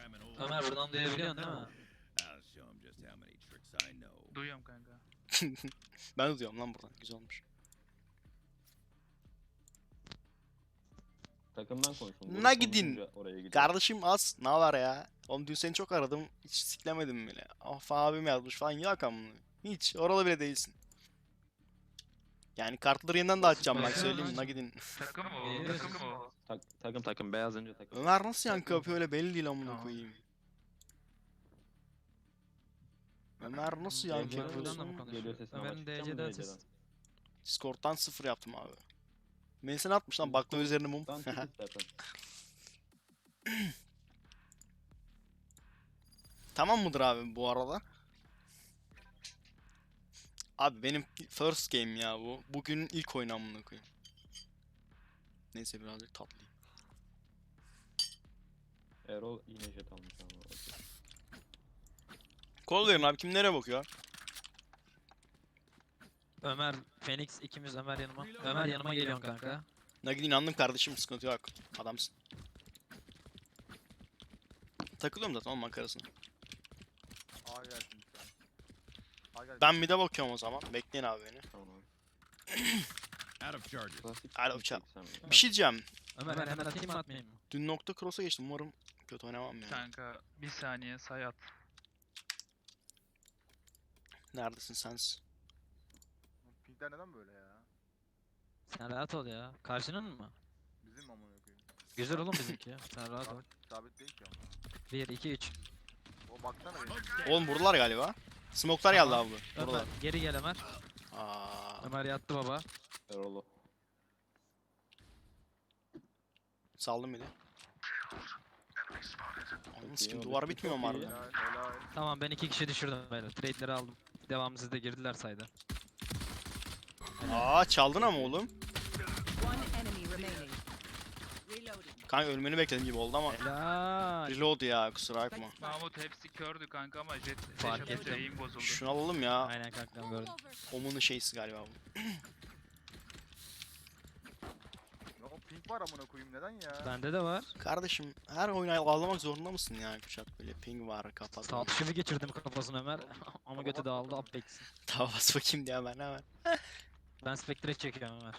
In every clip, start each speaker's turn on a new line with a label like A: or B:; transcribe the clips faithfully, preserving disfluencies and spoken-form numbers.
A: Ömer buradan duyabiliyorsun değil mi?
B: Duyuyorum kanka.
C: Ben de diyorum lan buradan. Güzel olmuş.
D: Takımdan konuşun.
C: Na gidin.
D: Oraya gidiyor.
C: Kardeşim az. Ne var ya? Oğlum dün seni çok aradım. Hiç siklemedim bile. Of abim yazmış falan. Yok amına. Hiç. Oralı bile değilsin. Yani kartları yeniden de açacağım bak
A: Basit
C: söyleyeyim.
A: basit.
C: Na gidin.
B: Takım mı o?
A: Geliyoruz.
B: Takım mı o?
D: Tak, takım takım beyaz önce takım.
C: Ömer nasıl yankı yapıyor öyle belli değil amına
B: Tamam.
C: koyayım. Ömer nasıl
D: Geliyor,
C: yankı
A: Buradan da
C: yapıyorsun?
A: mı konuşuyor?
D: Geliyor sesin ama
A: Ömer'in
D: çıkacak mı
A: D C'den
D: D C'den?
A: ses.
C: Discord'dan sıfır yaptım abi. Melisa'nı atmış lan baklava üzerine mum.
D: Tam çık istersen.
C: Tamam mıdır abi bu arada? Abi benim first game ya bu. Bugün ilk oyun amına koyayım. Neyse birazcık tatlıyım.
D: Erol yine jet almış ama.
C: Kol verin abi kim nereye bakıyor?
A: Ömer, Phoenix ikimiz Ömer yanıma. Ömer yanıma geliyorsun kanka.
C: Nagin inandım kardeşim sıkıntı yok. Adamsın. Takılıyorum zaten onun makarasına.
E: A gelsin lütfen. A gelsin.
C: Ben mid'e bakıyorum o zaman. Bekleyin abi beni.
D: Tamam.
F: Out of charges.
D: Klasik
C: Alo,
D: bir
C: çal.
D: seksen ya.
C: Bir şey diyeceğim.
A: Ömer hemen atayım mı atmayayım mı?
C: Dün nokta cross'a geçtim. Umarım kötü oynamam ya.
B: Kanka bir saniye say at.
C: Neredesin sen?
E: Pinkler neden böyle ya?
A: Sen rahat ol ya. Karşının mı?
E: Bizim amına koyayım.
A: Güzel oğlum bizimki ya. Sen rahat ol.
E: Sabit, sabit değil ki ama.
A: bir, iki, üç.
E: O baksana benim.
C: Oğlum buradalar galiba. Smoke'lar geldi abi.
A: Ömer
C: Buradalar.
A: geri gel Ömer.
C: Aa,
A: Ömer yattı baba.
D: Erol'u.
C: saldım bir de. Anladın
D: iyi
C: sikim
D: oldu.
C: duvar bitmiyor mu
D: Çok iyi.
C: harbiden?
E: Helal helal.
A: Tamam ben iki kişi düşürdüm beyler. Trade'leri aldım. Devamı sizde girdiler sayda.
C: Aa çaldın ama oğlum.
G: One enemy remaining. Reloading.
C: Kanka ölmeni bekledim gibi oldu ama.
A: Helal.
C: Reload ya kusura bakma.
B: Mahmut hepsi kördü kanka ama jet
A: Fark
B: Fark
A: ettim.
B: eğim bozuldu.
C: Şunu alalım ya.
A: Aynen kankam gördüm.
C: Omun'un şeysi galiba bu.
E: Ya o pink var amına koyayım neden ya?
A: Bende de var.
C: Kardeşim her oyunu ağlamak zorunda mısın ya Kuşat böyle ping var kapat.
A: Sağ tuşunu geçirdim kafasına Ömer. Ama götü dağıldı Apex'in.
C: Tamam bas bakayım diye ben hemen.
A: Ben Spectre çekiyorum Ömer.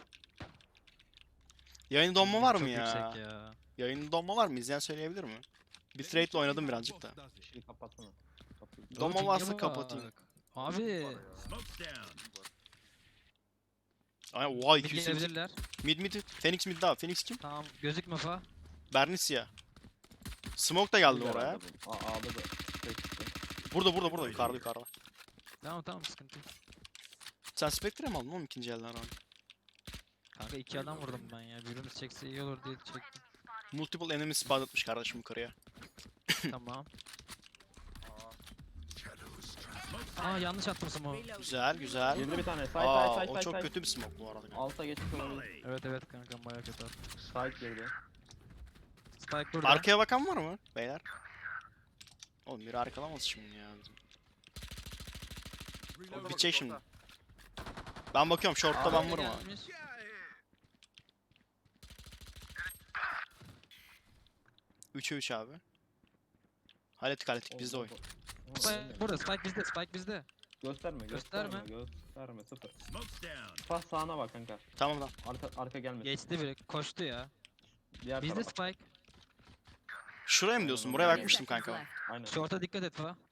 C: Yayın donma var
A: Çok
C: mı ya?
A: yüksek ya.
C: Yayın donma var mı? İzleyen söyleyebilir mi? Bitrate'le oynadım birazcık da.
D: Şeyi kapatsana. Kapıyı.
C: Donma
A: Pinge
C: varsa
A: bak.
C: kapatayım.
A: Abi.
E: Pink var ya.
F: Smoke's down.
E: Pink var.
C: Ay oha
A: Mid
C: iki yüz sekiz.
A: gelebilirler.
C: Mid mid. Phoenix mid daha. Phoenix kim?
A: Tamam gözükme fa.
C: Bernicia. Smoke da geldi
D: Güzel
C: oraya.
D: herhalde bu. A A'da da tek çıktı.
C: Burada burada burada yukarıda yukarıda.
A: Tamam tamam sıkıntı yok.
C: Sen Spectre mi aldın oğlum ikinci elden abi?
A: Kanka iki adam vurdum ben ya. Birimiz çekse iyi olur diye çektim.
C: Multiple enemy spawn atmış kardeşim yukarıya.
A: Tamam.
E: Aa,
A: Aa yanlış attım smoke.
G: Reloading.
C: Güzel güzel.
D: Girdi bir tane. Side
C: Aa
D: side side
C: o
D: side
C: çok
D: side.
C: kötü bir smoke bu arada.
D: Alta geçmiş olabilir.
A: Evet evet kankam bayağı kötü attım.
D: Side girdi.
A: Spike burada.
C: Arkaya bakan var mı beyler? Oğlum biri arkalamaz şimdi ya bizim.
E: orada
C: Bir
E: bak,
C: çek şimdi.
E: orada.
C: Ben bakıyorum short'ta
A: Abi
C: ben vururum abi.
A: gelmiş.
C: üçe üç abi. Hallettik hallettik bizde oyun.
A: Spike burada Spike bizde Spike bizde.
D: Gösterme,
A: Gösterme.
D: gösterme, gösterme, sıfır.
F: Smoke's down.
D: Pas sağına bak kanka.
C: Tamam tamam.
D: Arka arka gelmesin.
A: Geçti biri koştu ya.
D: Diğer
A: Bizde
D: tarafa.
A: Spike.
C: Şuraya mı diyorsun? Buraya
D: Aynen.
C: bakmıştım
G: Seconds
C: kanka.
G: left.
D: Aynen.
A: Short'a dikkat et fa.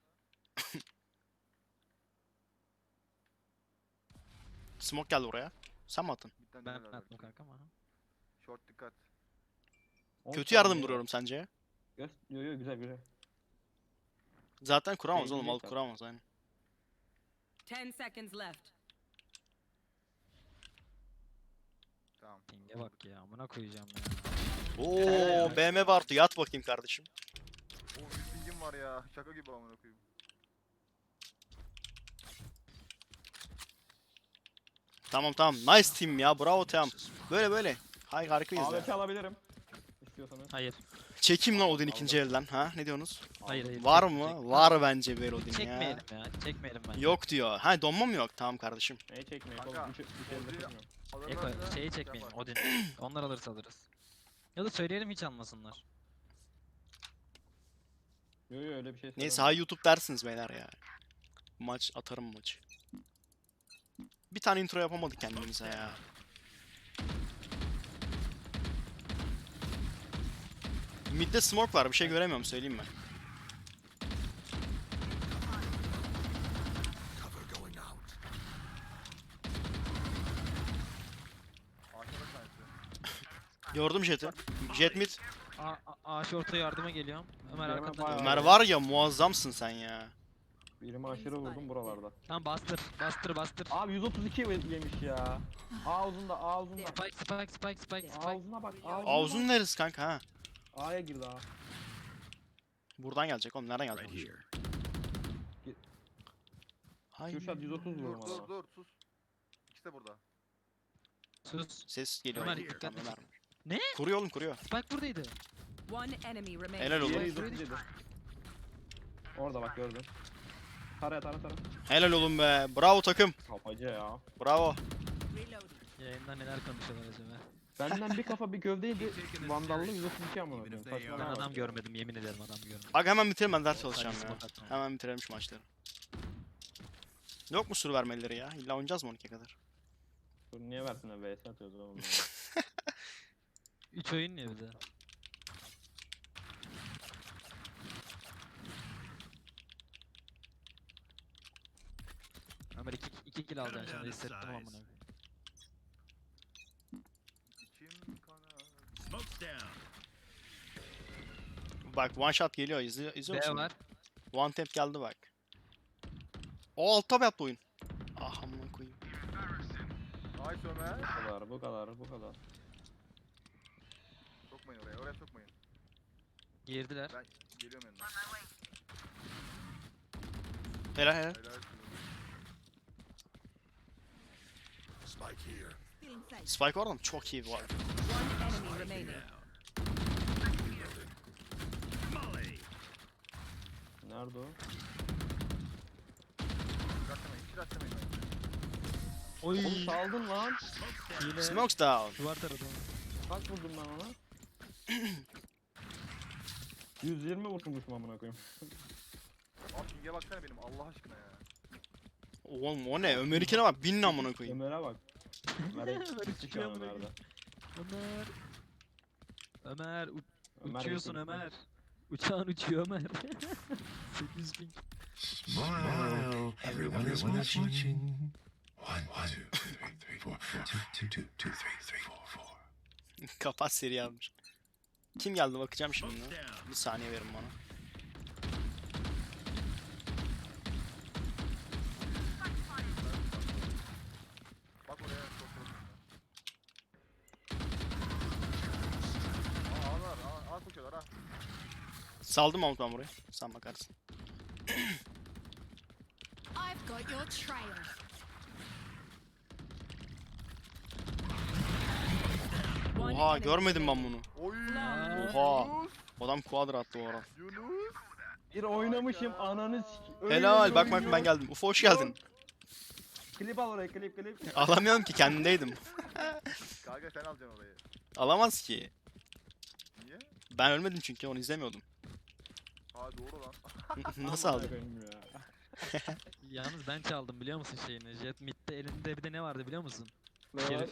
C: Smoke geldi oraya. Sen mi attın?
E: Midden
A: Ben
E: dönüyorlar
A: attım
E: belki.
A: kanka ama.
E: Short dikkat.
D: On
C: Kötü yardım
D: saniye
C: duruyorum sence?
D: Göz... Yo yo güzel güzel.
C: Zaten kuramaz
D: Şey
C: oğlum alıp
D: diyecek
C: kuramaz aynen.
G: Ten seconds left.
E: Tamam.
A: Pinge bak ya amına koyacağım ya.
C: Oo B M Bartu yat bakayım kardeşim.
E: O yüz pingim var ya. Şaka gibi amına koyayım.
C: Tamam tamam nice team ya bravo team. Böyle böyle. Hay harikayız
D: A W P
C: ya.
D: alabilirim. İstiyorsanız.
A: Hayır.
C: Çekeyim lan Odin ikinci elden ha ne diyorsunuz?
A: Hayır hayır.
C: Var
A: çek-
C: mı?
A: çek-
C: Var bence ver Odin ya.
A: Çekmeyelim ya. Çekmeyelim bence.
C: Yok diyor. Ha donma mı yok? Tamam kardeşim.
D: Neyi çekmeyin
E: Kanka,
D: oğlum. Üç, üç elde
E: Odin'i-
D: tutmuyorum.
A: Eko
E: Alırlarsa
A: şeyi
E: şey
A: çekmeyelim
E: yapar.
A: Odin. Onlar alırsa alırız. Ya da söyleyelim hiç almasınlar.
D: Yo yo öyle bir şey
C: Neyse
D: söylemem.
C: hay YouTube dersiniz beyler ya. Maç atarım maçı. Bir tane intro yapamadık kendimize ya. Mid'de smoke var, bir şey göremiyorum söyleyeyim mi?
F: Cover going out.
E: Aşağıda tanesi.
C: Gördüm Jet'i. Jet mid.
A: A, A, A short'a yardıma geliyorum. Ömer
D: Hemen
A: arkamda.
D: bayağı-
C: Ömer var ya muazzamsın sen ya.
D: Birimi aşırı vurdum buralarda.
A: Tamam bastır. Bastır bastır.
D: Abi yüz otuz iki yemiş ya. A uzunda A uzunda.
A: Spike spike spike spike
D: A
A: spike.
D: uzuna bak. A uzuna
C: Ağzın
D: bak.
C: neresi kanka ha?
D: A'ya girdi A.
C: Buradan gelecek oğlum, nereden
F: Right
C: gelecek?
F: here.
C: Hay.
D: Kürşat yüz otuz vurdum
E: Dur dur
D: adama.
E: dur sus. İkisi de burada.
A: Sus.
C: Ses geliyor.
A: Ömer,
C: Tamam,
A: dikkatli.
C: Ömer.
A: Ne?
C: Kuruyor oğlum, kuruyor.
A: Spike buradaydı.
G: One enemy remaining.
C: Helal
D: Diğeri
C: oğlum.
D: yüz otuz yedi. Orada bak gördün. Tara tara tara.
C: Helal oğlum be. Bravo takım.
D: Kafacı ya.
C: Bravo.
G: Reloading.
A: Yayında neler konuşuyorlar acaba?
D: Benden bir kafa bir gövdeydi. Vandallı yüz otuz iki amına koyayım.
F: Even if they
A: Ben
D: Saçmalama
F: are-
D: bak.
A: adam görmedim, yemin ederim adam görmedim.
C: Bak hemen bitirelim, ben ders çalışacağım
A: Sadece
C: ya.
A: smoke atmam.
C: Hemen bitirelim şu maçları. Yok mu sürü vermeleri ya? İlla oynayacağız mı on ikiye kadar?
D: Dur niye versinler V S atıyoruz oğlum.
A: üç oyun ya bir de. Ömer iki, iki kill alacaksın şimdi hissettim amına koyayım.
E: İçim kanar.
F: Smoke's down.
C: Bak one shot geliyor, izliyor, izliyor
A: B
C: musun?
A: var.
C: One tap geldi bak. O alt tab yaptı oyun. Ah amına koyayım.
E: Nice Ömer.
D: Bu kadar bu kadar bu kadar.
E: Sokmayın oraya. Oraya sokmayın.
A: Girdiler.
E: Ben geliyorum yanına.
C: Helal helal.
E: Helal olsun.
F: Spike here.
C: Spike orada mı? Çok iyi var.
G: One enemy remaining.
F: Molly.
D: Nerede o?
E: Rastlamayın. Hiç rastlamayın.
A: Oy.
D: Oğlum saldın lan.
A: Hile.
C: Smokes down.
A: Duvar taradı.
D: Kaç vurdum ben ona? yüz yirmi vurmuşum amına koyayım.
E: Abi ping'e baksana benim Allah aşkına ya.
C: Oğlum o ne? Ömer'inkine bak, bin amına koyayım.
D: Ömer'e bak. Ömer'e
A: Ömer
D: gitti şu
A: çıkıyor
D: an
A: amına
D: Ömer'de.
A: Ömer. Ömer u-
D: Ömer
A: uçuyorsun
D: gitti.
A: Ömer. Uçağın uçuyor Ömer. sekiz bin.
H: Smile, everyone is watching. One, one, two, three, three, four, four, two, two, two, two, three, three, four, four.
C: Kapat seri yazmış. Kim geldi bakacağım şimdi.
F: Smoke's down.
C: Bir saniye verin bana.
E: Bak oraya çok çok. Aa ağlar. Aa, ağ koşuyorlar ha.
C: Saldım Mahmut ben burayı. Sen bakarsın.
I: I've got your trail.
G: One
C: Oha
G: enemy
C: görmedim ben
G: remaining.
C: bunu.
E: Oy.
C: Oha.
E: Yunus.
C: Adam quadra attı o ara.
E: Yunus.
D: Bir oynamışım ananı sik. Öyle
C: Helal
D: bir
C: bak bak
D: oyun
C: ben
D: yok.
C: geldim. Ufo hoş geldin.
D: Klip al oraya klip klip.
C: Alamıyorum ki, kendimdeydim.
E: Kanka sen alacaksın orayı.
C: Alamaz ki.
E: Niye?
C: Ben ölmedim çünkü onu izlemiyordum.
E: Ha doğru lan.
C: Nasıl
D: Amına
C: aldı?
D: koyayım ya.
A: Yalnız ben çaldım biliyor musun şeyini? Jet mid'de elinde bir de ne vardı biliyor musun?
D: Ne var?
A: Şerif.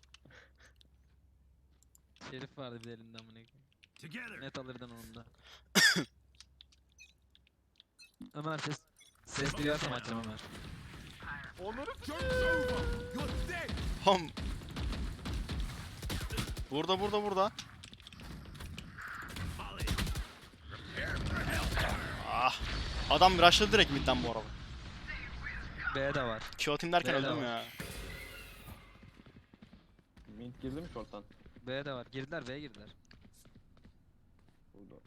A: Şerif vardı bir de elinde amına koyayım.
F: Together.
A: Net alırdın onu da. Ömer ses ses duyarsam açacağım Ömer.
E: Onları
F: Joke's over. You're dead.
C: Hom. Burada burada burada.
F: Molly.
C: Ah. Adam rushladı direkt midden bu arada.
A: B de var.
C: Q atayım derken
A: B'de
C: öldüm
A: var.
C: ya.
D: Mint girdi mi short'tan?
A: B de var. Girdiler B'ye girdiler.
D: Burada.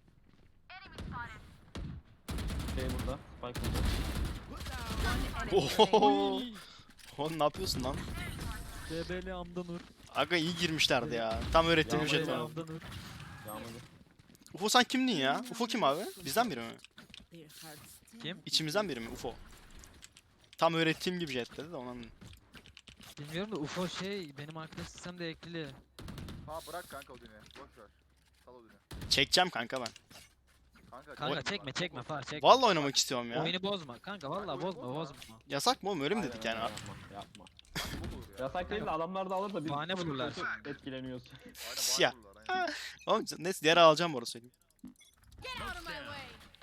D: Şey burada. Spike burada.
G: One enemy remaining.
C: Oho. Oğlum ne yapıyorsun lan?
A: D B L Amda Nur.
C: Aga iyi girmişlerdi ya. Tam öğrettiğim
D: Ya,
C: jet
A: D B L
C: var.
A: Amda Nur.
D: Yağmurlu.
C: Ufo sen kimdin ya? Ufo kim abi? Bizden biri mi?
G: Their hearts still
A: Kim?
C: İçimizden biri mi Ufo? Tam öğrettiğim gibi jet dedi de ondan.
A: Bilmiyorum da U F O şey benim arkadaş sistemde eklili.
E: Ha bırak kanka o düğünü. Boş ver. Sal o düğünü.
C: Çekeceğim kanka ben.
E: Kanka
A: Kanka çekme çekme far çekme.
C: Vallahi oynamak istiyorum ya.
A: Oyunu bozma kanka vallahi
E: Oyunu
A: bozma
E: bozma.
A: bozma.
C: Yasak mı oğlum? Öyle mi
D: Aynen
C: dedik yani?
D: öyle, Yapma. Yapma.
E: Bu olur ya.
D: Yasak değil de adamlar da alır da biz
A: Bahane bulurlar.
D: kötü etkileniyoruz.
E: Aynen,
C: Ya.
E: bağırırlar, aynen.
C: Oğlum neyse diğer alacağım bu arada söyleyeyim.
I: Get out of my way.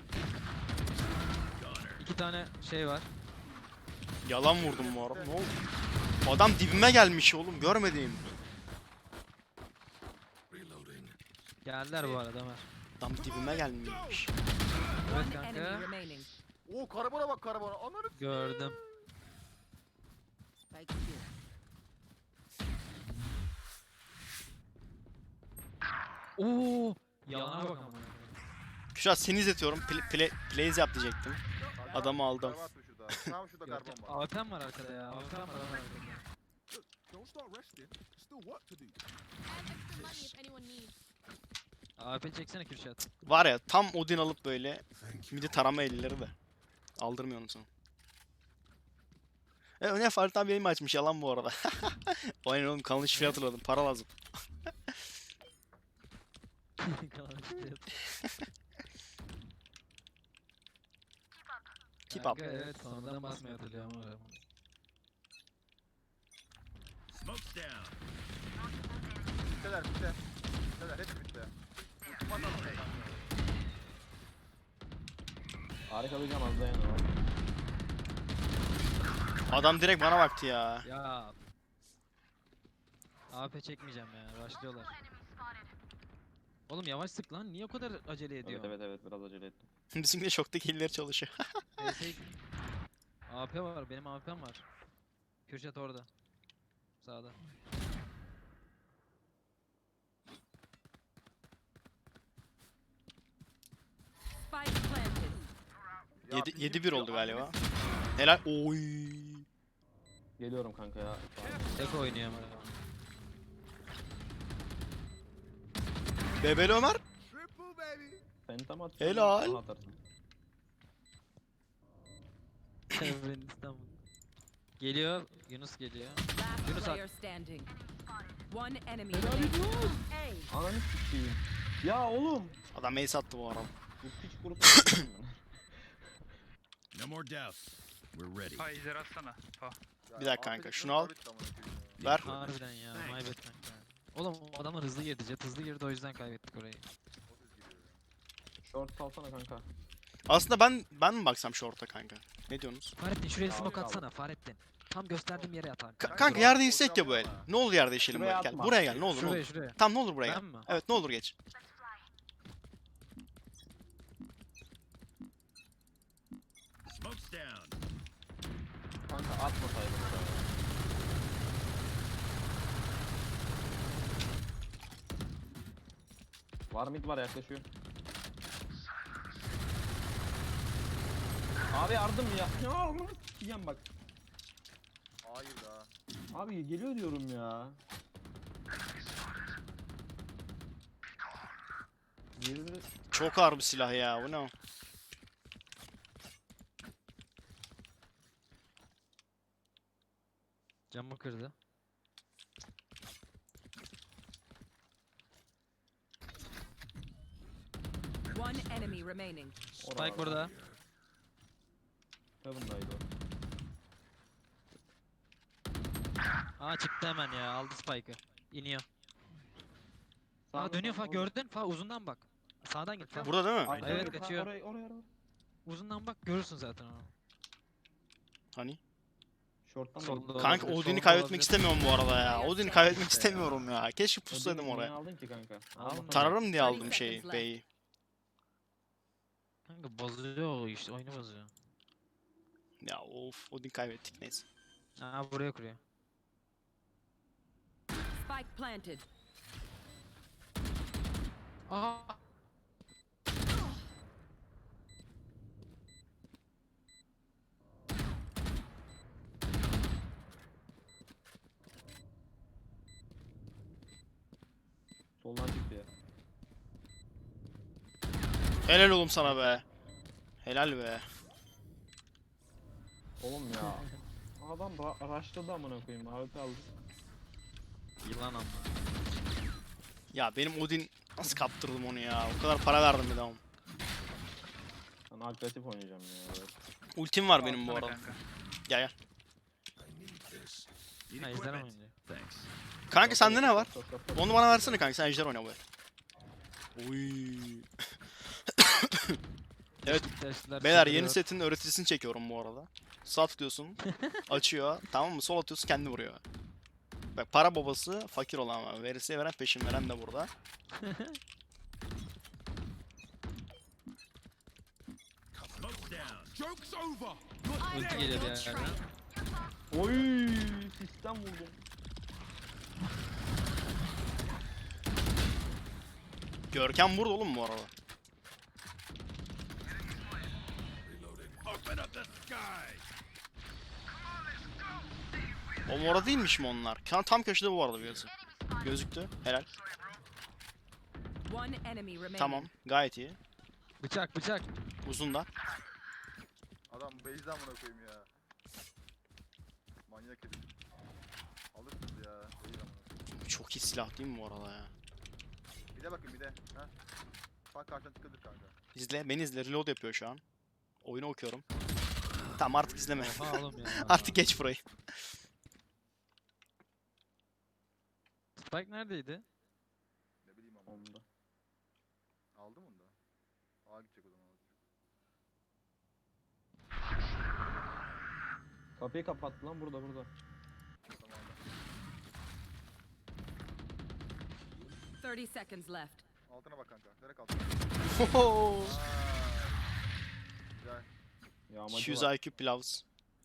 A: İki tane şey var.
C: Yalan vurdum bu arada. Ne oldu? Adam dibime gelmiş oğlum. Görmediğim.
F: Reloading.
A: Geldiler bu arada Ömer.
C: Adam dibime gelmiş.
A: Evet
G: One enemy
A: kanka.
G: remaining.
E: Oo karabona bak karabona. Ananı s-
A: Gördüm.
G: Spike here.
A: Oo! Yalana bak ama.
C: Kuşat seni izletiyorum. Play, play, plays yap diyecektim.
E: Kanka,
C: Adamı aldım.
E: karabon atıyor şurada. Tam şurada
A: Yok,
E: karbon var.
A: A W P'm var arkada ya. A W P'm var Ömer arkada.
F: Don't start resting. Still work to do.
I: I have extra money if anyone needs.
A: A W P çeksene Kürşat.
C: Var ya tam Odin alıp böyle
F: Thank you.
C: midi tarama elleri de. Aldırmıyor onu sana. E ne Farid abi yayın mı açmış yalan bu arada. Aynen oğlum kanal şifre hatırladım. Para lazım. Keep up.
A: Kanka evet sonradan basmayı hatırlıyorum ama.
F: Smoke's down.
E: Bitteler bitte. Bitteler hep bitti. Ultim atalım kanka.
D: Harika diyeceğim az dayan o.
C: Adam direkt bana baktı ya.
A: Ya. A W P çekmeyeceğim ya. Başlıyorlar. Oğlum yavaş sık lan. Niye o kadar acele ediyor?
D: Evet evet evet biraz acele ettim.
C: Bizimki de şoktaki hilleri çalışıyor.
A: Neyse. A W P var. Benim A W P'm var. Kürşat orada. Sağda.
G: Spike planted.
E: Ya
C: yedi
E: bizim
C: bir
E: şu
C: oldu galiba.
E: annemiz-
C: Helal. Oy.
D: Geliyorum kanka ya.
A: Tek oynuyor ama.
C: Bebeli Ömer.
F: Triple baby.
D: Phantom at.
C: Helal.
D: Bana atarsın.
A: Evren İstanbul. Geliyor. Yunus geliyor.
G: Last
A: Yunus at.
G: player standing. One enemy remaining. A.
D: Ananı sikeyim. Ya oğlum.
C: Adam ace attı bu arada.
D: Bu piç grubu.
F: No more doubts. We're ready.
B: Ha izler atsana. Ha.
E: Ya,
C: Bir dakika kanka,
E: Afrika
C: şunu al.
E: Florida amına koyayım ya.
C: Ver.
A: Harbiden ya. Maybet kanka. Oğlum o adamlar hızlı girdi. Jet hızlı girdi o yüzden kaybettik orayı.
E: otuz gibi.
D: Short salsana kanka.
C: Aslında ben ben mi baksam short'a kanka? Ne diyorsunuz?
A: Fahrettin şuraya
D: Abi,
A: smoke
D: abi.
A: atsana Fahrettin. Tam gösterdiğim yere at kanka.
C: Ka-
E: Kanka,
C: kanka
E: dur,
C: yer
E: dur,
C: değişsek ya
E: dur
C: bu el.
E: ama.
C: Ne olur yer değişelim bu
D: Şuraya
C: el. Gel.
D: atma.
C: Buraya gel ne olur ne
A: Şuraya
C: olur.
A: şuraya.
C: Tamam ne olur buraya
A: Ben
C: gel.
A: mi?
C: Evet ne olur geç.
F: Smoke's down.
D: Kanka atmasaydın oraya. Var mid var yaklaşıyor. Abi yardım ya. Ya amına sikeyim bak.
E: Hayır daha.
D: Abi geliyor diyorum ya. Diğeri
C: Çok ağır bir silah ya. Bu ne o?
A: Camı kırdı.
G: One enemy remaining.
A: Spike burada.
D: Heaven'daydı o.
A: Aa çıktı hemen ya. Aldı Spike'ı. İniyor. Aa
D: Sağda,
A: dönüyor
D: sağda,
A: fa gördün fa uzundan bak. Sağdan git fa.
C: Burada değil mi?
D: Aynen,
A: Evet,
D: evet,
A: kaçıyor.
D: Oraya oraya oraya.
A: Uzundan bak görürsün zaten onu.
C: Hani?
D: Short'tan da
A: Solda
D: git.
C: Kanka
A: olabilir,
C: Odin'i
A: solda
C: kaybetmek
A: olabilir.
C: istemiyorum bu arada ya. Odin'i kaybetmek istemiyorum ya. Keşke
D: Odin'i
C: pussaydım
D: niye
C: oraya.
D: aldın ki kanka?
A: Almadım.
C: Tararım diye aldım
G: thirty
C: şeyi.
G: seconds
C: B'yi.
A: Kanka bozuyor o işte oyunu bozuyor.
C: Ya of Odin kaybettik neyse.
A: Aa buraya kuruyor.
G: Spike planted.
A: Aa.
D: Soldan çıktı ya.
C: Helal oğlum sana be. Helal be.
D: Oğlum ya. Adam ra rushladı amına koyayım. Abi aldı.
A: Yılan ama.
C: Ya benim Odin nasıl kaptırdım onu ya? O kadar para verdim bir de ama.
D: Ben agresif oynayacağım ya. Evet.
C: Ultim var benim bu
B: Alsana
C: arada.
B: kanka.
C: Gel gel.
F: Need
A: Ha ejderha mı
F: equipment.
A: oynuyor?
F: Thanks.
C: Kanka sende ne var?
D: Stop, stop, stop.
C: Onu bana versene kanka, sen ejder oyna bu el. Uy. Evet,
A: Flash'lar
C: beyler
A: çıldırıyor.
C: yeni setin öğreticisini çekiyorum bu arada. Sağ tıklıyorsun, açıyor, tamam mı? Sol atıyorsun, kendi vuruyor. Bak para babası fakir olan var. Veresiye veren peşin veren de burada.
F: Smoke's down. Joke's over.
I: I
A: Ulti
I: am
A: geliyor bir
I: your
A: yerden.
I: train.
D: Oy, sistem vurdum.
C: Görkem burada oğlum bu arada.
F: Open up the sky.
C: O orada değilmiş mi onlar? Kan- Tam köşede bu arada birisi. Gözüktü. Helal.
G: One enemy remaining.
C: Tamam. Gayet iyi.
A: Bıçak bıçak.
C: Uzun da.
E: Adam base'den amına koyayım ya. Manyak herif. Alırsınız ya. Değil amına.
C: Çok iyi silah değil mi bu arada ya?
E: Bir de bakın bir de. Ha. Bak karşıdan çıkılır kanka.
C: İzle. Beni izle. Reload yapıyor şu an. Oyunu okuyorum. Tamam artık izleme.
A: Oha oğlum ya.
C: Artık geç burayı.
A: Spike neredeydi?
E: Ne bileyim ama.
D: Onda.
E: Aldım onu da. Ağa gidecek o zaman.
D: Kapıyı kapattı lan, burada burada.
E: Tamam.
G: thirty seconds left.
E: Altına bak kanka. Direkt altına.
C: Hoho.
E: Aa. Güzel.
D: Yağmacı
C: iki yüz
D: var.
C: I Q pilavs.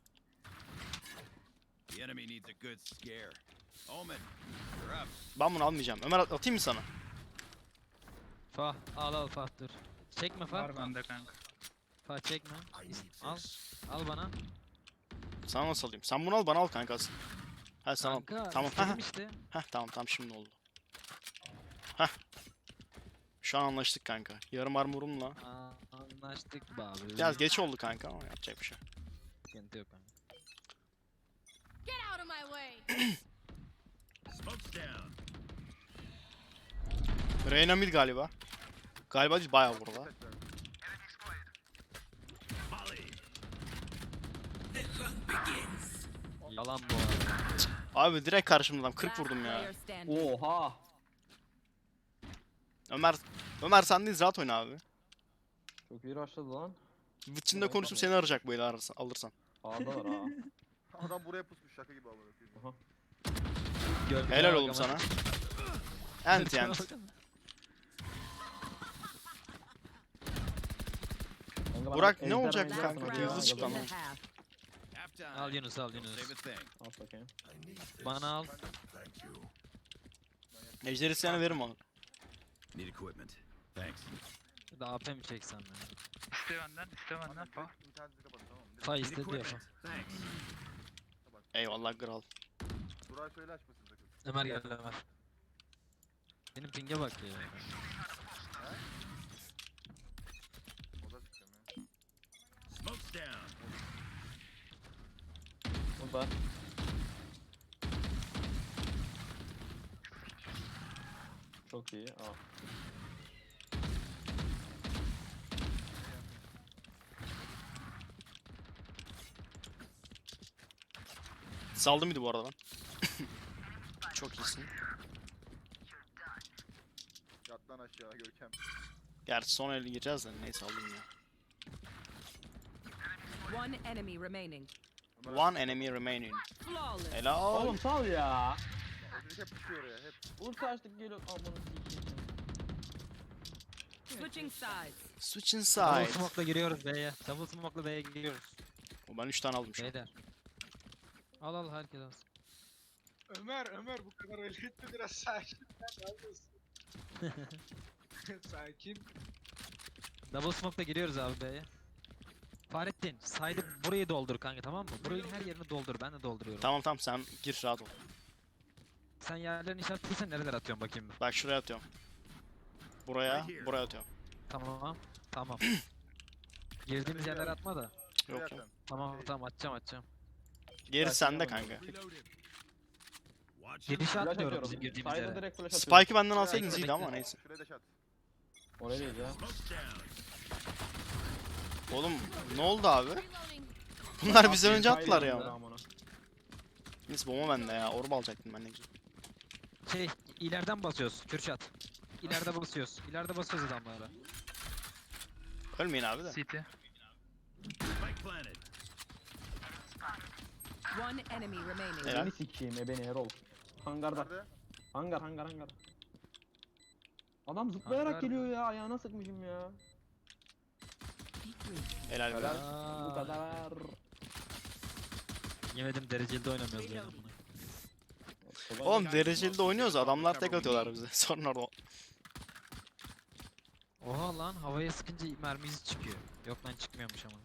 F: The enemy needs a good scare. Omen, you're up.
C: Ben bunu almayacağım. Ömer at- atayım mı sana?
A: Fah al al Fah dur. Çekme Fah.
B: Var bende kanka.
A: Fah çekme. Al. Al bana.
C: Sana nasıl alayım? Sen bunu al, bana al kanka asıl. Ha sana al.
A: Kanka,
C: Tamam.
A: istedim
C: Ha
A: işte.
C: ha tamam tamam şimdi oldu. Hah. Şu an anlaştık kanka. Yarım armorumla.
A: Aa, anlaştık be abi.
C: Biraz geç oldu kanka ama yapacak bir şey.
A: Sıkıntı yok kanka.
I: Get out of my way.
F: Smoke's down.
C: Reyna mid galiba. Galiba değil, bayağı burada.
E: Kaç ver.
F: Molly.
A: Yalan bu arada.
C: Abi direkt karşımda adam. kırk
G: Last
C: vurdum ya.
G: player standing.
D: Oha.
C: Ömer Ömer sendeyiz, rahat oyna abi.
D: Çok iyi rushladı lan.
C: Vıçında
D: Evet,
C: konuşup
D: abi.
C: seni arayacak böyle ararsan, alırsan.
D: A'dalar ha.
E: Adam buraya pusmuş şaka gibi amına koyayım.
D: Aha.
A: Görmeye
C: Helal
A: bak
C: oğlum
A: ama.
C: sana. Ent
A: Görmeye
C: ent.
A: bak ama.
D: Kanka,
C: Burak,
D: ben
C: ne
D: ejder
C: olacak
D: oynayacağım
C: kanka?
D: sana
G: Last
D: ya,
C: Hızlı
G: round
C: çık
G: in
C: lan.
G: the half.
F: Halftime.
A: Al Yunus al
F: Don't
A: Yunus.
F: save a thing.
D: At bakayım.
A: Bana al.
H: Thank you.
C: Ejder isteyene veririm onu.
F: Need equipment. Thanks.
A: Bir de A P mi çeksem ya?
B: İste benden, iste benden.
E: Kanka
B: Fah.
E: direkt interneti kapat tamam mı? Direkt
A: Fah
F: Need
A: istedi ya
F: equipment.
A: Fah.
F: Thanks.
C: Eyvallah kral.
E: Burak'a söyle açmasın sakın.
A: Ömer gel Ömer. Benim pinge bak ya.
E: O da sıkacağım ya.
F: Smoke's down.
D: Burada. Çok iyi. Aa.
C: Saldı mıydı bu arada lan? Çok iyisin.
E: Yat lan aşağı Görkem.
C: Gerçi son el gireceğiz de neyse aldım ya.
G: One enemy remaining.
E: Ömer
C: One enemy remaining.
G: Flawless.
C: Helal.
D: Oğlum sal ya.
E: O çocuk hep düşüyor oraya hep.
D: Ulti açtık geliyor. Aman sikeyim.
G: Switching sides.
C: Switch
A: Double
C: inside.
A: smoke'la giriyoruz B'ye. Double smoke'la B'ye giriyoruz.
C: O ben üç tane aldım şu an.
A: B'der. Al al herkes alsın.
J: Ömer, Ömer bu kadar öyle etme biraz sakin. Sen neredesin? Sakin.
A: Double smoke'la giriyoruz abi B'ye. Fahrettin, side'ı burayı doldur kanka tamam mı? Burayı her yerini doldur. Ben de dolduruyorum.
C: Tamam tamam sen gir rahat ol.
A: Sen yerlerini işaretliysen nereler atıyorsun bakayım bir.
C: Bak şuraya atıyorum. Buraya, buraya atıyorum.
A: Tamam. Tamam. Girdiğimiz yerlere atma da.
E: Şuraya
C: Yok
E: at
C: yok.
E: sen.
A: Tamam tamam atacağım atacağım.
C: Geri sende kanka.
F: Reloading. Watch
A: Girişe
D: Flash
A: atmıyorum
D: atıyorum.
A: bizim girdiğimiz
D: Side'a
A: yere.
D: direkt flash atıyorum.
C: Spike'ı benden alsaydınız
A: Bekle,
C: iyiydi ama
A: bekle.
C: neyse.
E: Şuraya da şat.
D: Oraya değil ya.
F: Smoke's down.
C: Oğlum ne oldu abi?
I: Reloading.
C: Bunlar bizden önce
D: Hayır,
C: attılar
D: hayır,
C: ya.
D: amına.
C: Neyse bomba bende ya. Orba alacaktım ben ne güzel.
A: Şey ileriden basıyoruz Kürşat. İleride basıyoruz. İleride basıyoruz adamlara.
C: Ölmeyin abi de.
B: City.
F: Spike planted.
G: One enemy remaining.
C: Helal.
D: Beni sikeyim ebeni Erol. Hangarda.
E: Nerede?
D: Hangar hangar hangar. Adam zıplayarak
A: Hangar
D: geliyor ya, ayağına sıkmışım ya.
C: Helal be.
D: Helal. Bu
A: Aa,
D: kadar.
A: yemedim dereceli de oynamıyoruz yani bunu.
C: Oğlum dereceli de oynuyoruz. Adamlar tek atıyorlar bize. Sonra orada.
A: Oha lan havaya sıkınca mermi izi çıkıyor. Yok lan çıkmıyormuş ama.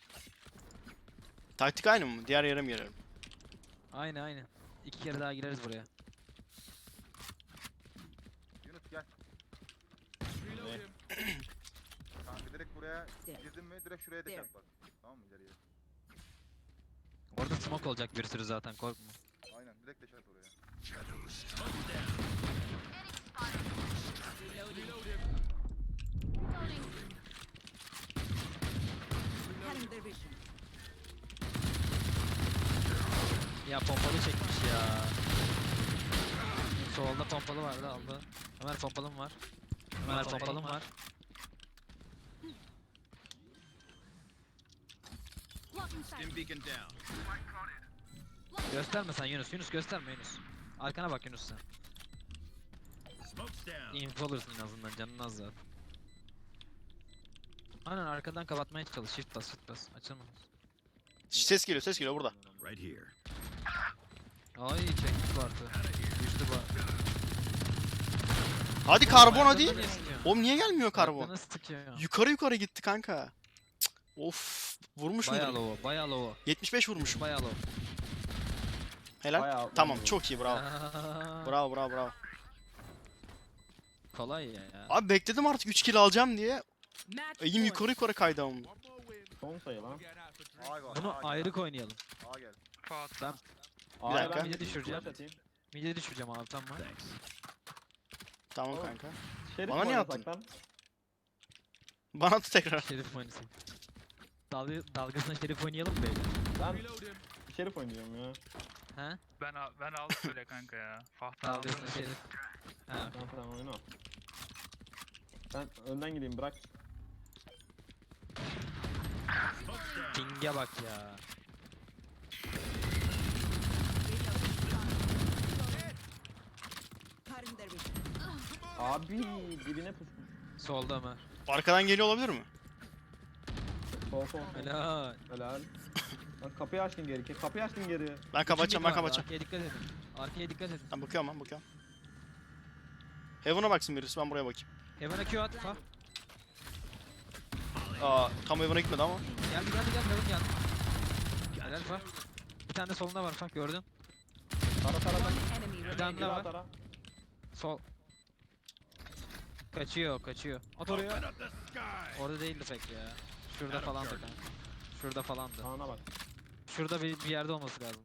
C: Taktik aynı mı? Diğer yere mi girelim?
A: Aynı aynı. İki kere daha gireriz buraya.
E: Yunus gel. Kanka direkt buraya girdin mi direkt şuraya
G: There.
E: deşat bak. Tamam mı ileriye?
A: Orada smoke olacak bir sürü zaten korkma.
E: Aynen direkt deşat oraya.
I: Reloading.
G: Cutting their vision.
A: Ya pompalı çekmiş ya. Solda pompalı vardı aldı. Ömer pompalım var. Ömer pompalım var.
I: Blocking sight.
F: Stim beacon down.
A: Gösterme sen Yunus. Yunus gösterme Yunus. Arkana bak Yunus sen.
F: Smoke's down.
A: Info alırsın en azından canın az zaten. Aynen arkadan kapatmaya çalış. Shift bas shift bas. Açılma.
C: Ses geliyor ses geliyor burada.
F: Right here.
A: Ay çekmiş bu artı. Düştü bu.
C: Hadi karbon hadi.
A: Ayaklarını sıkıyor.
C: Oğlum niye gelmiyor karbon?
A: Ayaklarını sıkıyor.
C: Yukarı yukarı gitti kanka. Cık, of. Vurmuş
A: Bayağı
C: mudur?
A: low, bayağı low.
C: yetmiş beş vurmuşum.
A: Bayağı low.
C: Helal.
D: Bayağı-
C: Tamam
D: bayağı-
C: çok iyi bravo.
A: Aa,
C: Bravo bravo bravo.
A: Kolay ya.
C: Abi bekledim artık üç kill alacağım diye.
G: Match
C: Eğim
G: point.
C: yukarı yukarı kaydı ama.
D: Son sayı lan.
E: Ağa gel.
A: Bunu
E: ağa gel.
A: ayrık oynayalım.
E: Ağa gel.
B: Fuat.
A: Ben
D: A'ya
C: dakika.
D: ben
A: Bir de düşüreceğim.
D: flash atayım.
A: mid'e düşüreceğim abi tamam.
F: Thanks.
C: Tamam
D: Oğlum.
C: kanka.
D: Şerif
C: Bana
D: mi
C: niye
D: oynasak
C: attın?
D: lan?
C: Bana at tekrar.
A: Şerif oynasın. Dalga, dalgasına şerif oynayalım mı beyler?
D: Ben Şerif oynuyorum ya.
A: He?
B: Ben al, ben aldım öyle kanka ya. Fatih aldım.
A: Dalgasına şerif. Ha.
D: Tamam tamam oyna. Ben önden gideyim bırak.
A: Ping'e bak ya.
G: Cutting their vision.
D: Abi dibine pus.
A: Solda Ömer.
C: Arkadan geliyor olabilir mi?
D: Sol sol sol.
A: Helal.
D: Helal. Lan kapıyı açtın geri. ke- Kapıyı açtın geri.
C: Ben kapatacağım ben
A: Mid vardı,
C: kapatacağım.
A: Arkaya dikkat edin. Arkaya dikkat edin.
C: Ben bakıyorum ben bakıyorum. Heaven'a baksın birisi ben buraya bakayım.
A: Heaven'a Q at. Fa.
C: Aa tam Heaven'a gitmedi ama.
A: Geldi geldi geldi. Heaven geldi. Helal Fa. Bir tane de solunda var Fa gördün.
D: Tara tara tara.
G: One enemy
A: Bir tane
G: remaining.
A: daha
D: Tara
A: var.
D: tara.
A: Sol. Kaçıyor kaçıyor. At oraya.
F: Open up the sky.
A: Orada değildi pek ya. Şurada
F: Adam
A: falandı
F: gördüm.
A: kanka. Şurada falandı.
D: Sağına bak.
A: Şurada bir, bir yerde olması lazım.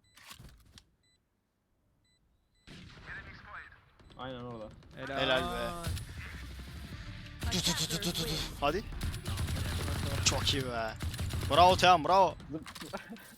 D: Aynen orada.
A: Helal,
C: Helal be. Tu tu tu tu tu tu tu. Hadi. Çok iyi be. Bravo Tehan bravo.
D: Zıp-